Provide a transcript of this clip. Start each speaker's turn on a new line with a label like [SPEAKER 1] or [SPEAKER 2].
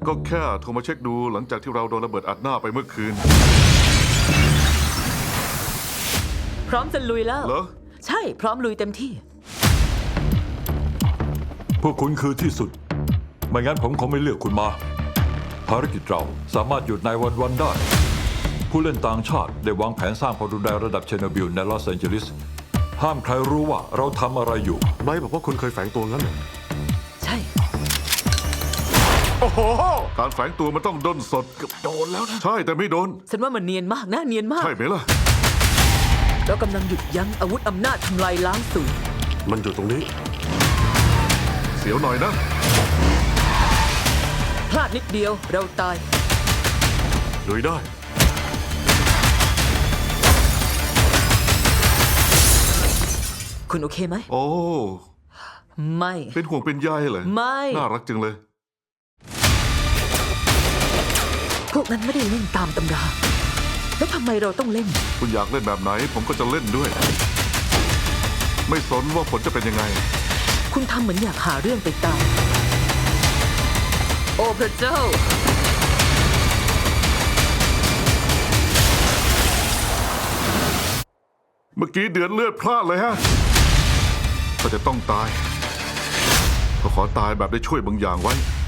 [SPEAKER 1] ก็แค่โทรมาเช็คดูหลังจากที่เราโดนระเบิดอัดหน้าไปเมื่อคืน
[SPEAKER 2] พร้อมจะลุยแล้ว
[SPEAKER 1] เหรอ
[SPEAKER 2] ใช่พร้อมลุยเต็มที่
[SPEAKER 3] พวกคุณคือที่สุด ไม่งั้นผมคงไม่เลือกคุณมา ภารกิจเราสามารถหยุดนายวันได้ ผู้เล่นต่างชาติได้วางแผนสร้างความรุนแรงระดับเชอร์โนบิลในลอสแอนเจลิส ห้ามใครรู้ว่าเราทำอะไรอยู่
[SPEAKER 4] ไบรท์บอกว่าคุณเคยแฝงตัวงั้นเหรอ
[SPEAKER 2] ใช่
[SPEAKER 1] โอ้โห การแฝงตัวมันต้องด้นสด
[SPEAKER 4] โดนแล้วนะ
[SPEAKER 1] ใช่แต่ไม่โดน
[SPEAKER 2] ฉันว่ามันเนียนมากนะเนียนมาก
[SPEAKER 1] ใช่ไหมล่ะ
[SPEAKER 2] เรากำลังหยุดยั้งอาวุธอำนาจทำลายล้างศูนย์
[SPEAKER 4] มันอยู่ตรงนี้
[SPEAKER 1] เสียวหน่อยนะ
[SPEAKER 2] พลาดนิดเดียวเราตาย
[SPEAKER 4] ลุยได้
[SPEAKER 2] คุณโอเคไหม
[SPEAKER 1] โอ้
[SPEAKER 2] ไม่
[SPEAKER 1] เป็นห่วงเป็นใยเหรอ
[SPEAKER 2] ไม่
[SPEAKER 1] น่ารักจังเลย
[SPEAKER 2] พวกนั้นไม่ได้เล่นตามตำรา แล้วทำไมเราต้องเล่น
[SPEAKER 1] คุณอยากเล่นแบบไหน ผมก็จะเล่นด้วย ไม่สนว่าผลจะเป็นยังไง
[SPEAKER 2] คุณทำเหมือนอยากหาเรื่องไปตาย โอ้พระเจ้า
[SPEAKER 1] เมื่อกี้เดือดเลือดพลาดเลยฮะ ก็จะต้องตาย ก็ขอตายแบบได้ช่วยบางอย่างไว้